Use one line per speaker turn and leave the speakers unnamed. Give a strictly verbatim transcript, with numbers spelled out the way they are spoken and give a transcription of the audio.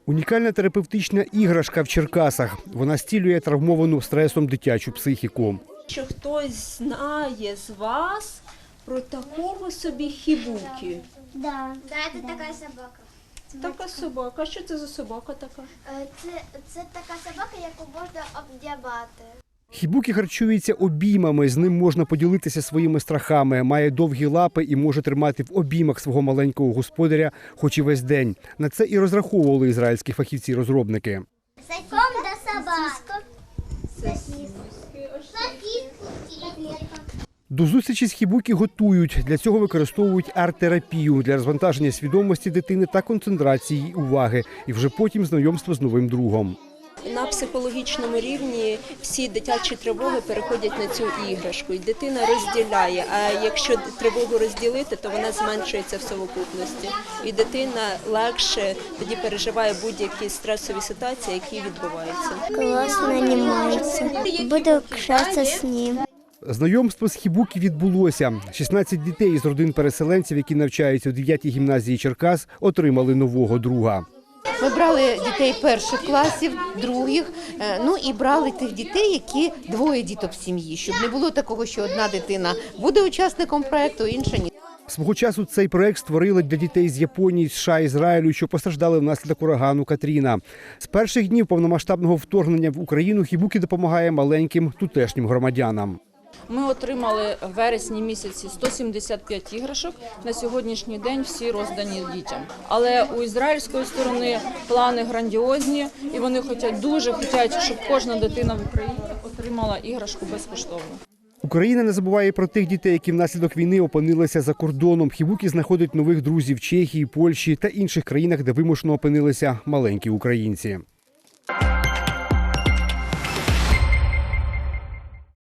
Унікальна терапевтична іграшка в Черкасах. Вона зцілює травмовану стресом дитячу психіку.
Що хтось знає з вас про такого собі хібукі?
Да. Да, це така собака.
Така собака. А що це за собака така?
Це, це така собака, яку можна обдябати.
Хібукі харчується обіймами, з ним можна поділитися своїми страхами. Має довгі лапи і може тримати в обіймах свого маленького господаря хоч і весь день. На це і розраховували ізраїльські фахівці-розробники.
Ком до собака.
До зустрічі з хібукі готують. Для цього використовують арт-терапію для розвантаження свідомості дитини та концентрації її уваги. І вже потім знайомство з новим другом.
На психологічному рівні всі дитячі тривоги переходять на цю іграшку. І дитина розділяє, а якщо тривогу розділити, то вона зменшується в совокупності. І дитина легше тоді переживає будь-які стресові ситуації, які відбуваються.
Класно знімається. Буду кшатися з ним.
Знайомство з хібукі відбулося. шістнадцять дітей із родин переселенців, які навчаються у дев'ятій гімназії Черкас, отримали нового друга.
Ми брали дітей перших класів, других, ну і брали тих дітей, які двоє діток в сім'ї, щоб не було такого, що одна дитина буде учасником проєкту, інша ні.
Свого часу цей проект створили для дітей з Японії, США, Ізраїлю, що постраждали внаслідок урагану Катріна. З перших днів повномасштабного вторгнення в Україну хібукі допомагає маленьким тутешнім громадянам.
Ми отримали в вересні місяці сто сімдесят п'ять іграшок. На сьогоднішній день всі роздані дітям. Але у ізраїльської сторони плани грандіозні, і вони хочуть, дуже хочуть, щоб кожна дитина в Україні отримала іграшку безкоштовно.
Україна не забуває про тих дітей, які внаслідок війни опинилися за кордоном. Хібукі знаходить нових друзів в Чехії, Польщі та інших країнах, де вимушено опинилися маленькі українці.